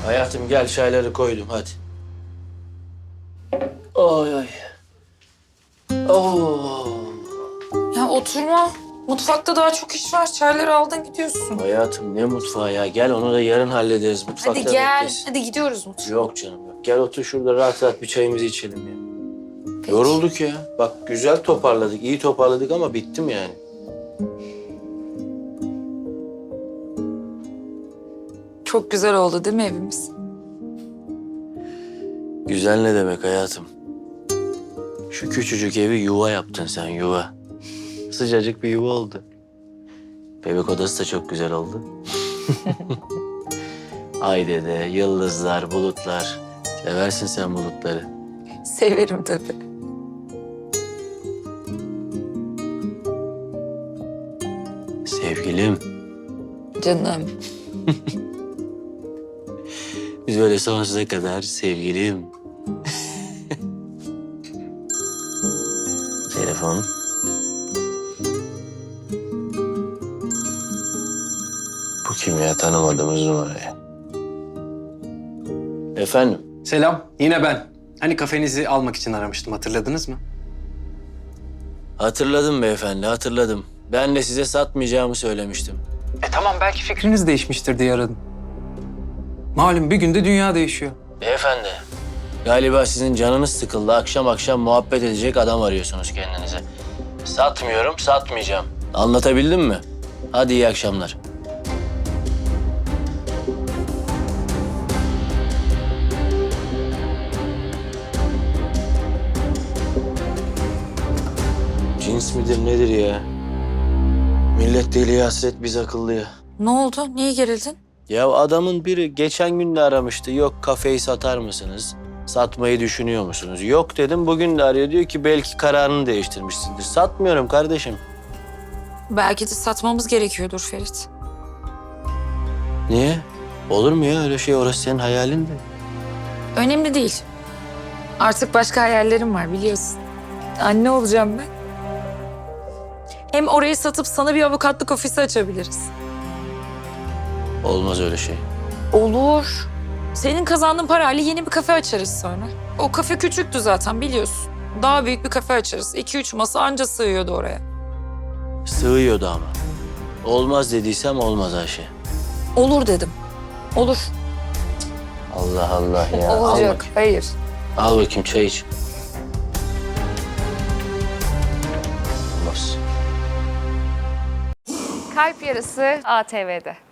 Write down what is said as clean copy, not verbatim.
Hayatım gel çayları koydum hadi. Ay ay. Oo. Ya oturma. Mutfakta daha çok iş var. Çayları aldın gidiyorsun. Hayatım ne mutfağı ya. Gel onu da yarın hallederiz. Mutfakta Hadi gel. beklesin. Hadi gidiyoruz mutfağa. Yok canım yok. Gel otur şurada rahat rahat bir çayımızı içelim ya. Peki. Yorulduk ya. Bak güzel toparladık, iyi toparladık ama bittim yani. Çok güzel oldu değil mi evimiz? Güzel ne demek hayatım? Şu küçücük evi yuva yaptın sen yuva. Sıcacık bir yuva oldu. Bebek odası da çok güzel oldu. Ay dede, yıldızlar, bulutlar. Seversin sen bulutları. Severim tabii. Sevgilim, Canım. biz böyle sonsuza kadar sevgilim. Telefon. Bu kim ya? Tanımadığımız numarayı. Efendim? Selam, yine ben. Hani kafenizi almak için aramıştım, hatırladınız mı? Hatırladım beyefendi, hatırladım. Ben de size satmayacağımı söylemiştim. Tamam, belki fikriniz değişmiştir diye aradım. Malum bir günde dünya değişiyor. Beyefendi, galiba sizin canınız sıkıldı. Akşam akşam muhabbet edecek adam arıyorsunuz kendinize. Satmıyorum, satmayacağım. Anlatabildim mi? Hadi iyi akşamlar. Cins midir nedir ya? Millet deliye hasret biz akıllıya. Ne oldu? Niye gerildin? Ya adamın biri geçen gün de aramıştı. Yok kafeyi satar mısınız? Satmayı düşünüyor musunuz? Yok dedim. Bugün de arıyor. Diyor ki belki kararını değiştirmişsindir. Satmıyorum kardeşim. Belki de satmamız gerekiyordur Ferit. Niye? Olur mu ya öyle şey? Orası senin hayalin de. Önemli değil. Artık başka hayallerim var biliyorsun. Anne olacağım ben. Hem orayı satıp sana bir avukatlık ofisi açabiliriz. Olmaz öyle şey. Olur. Senin kazandığın parayla yeni bir kafe açarız sonra. O kafe küçüktü zaten biliyorsun. Daha büyük bir kafe açarız. 2-3 masa anca sığıyordu oraya. Sığıyordu ama. Olmaz dediysem olmaz Ayşe. Olur dedim. Olur. Allah Allah ya. Al Olacak. bakayım. Hayır. Al bakayım çay iç. Olmaz. Kalp Yarısı ATV'de.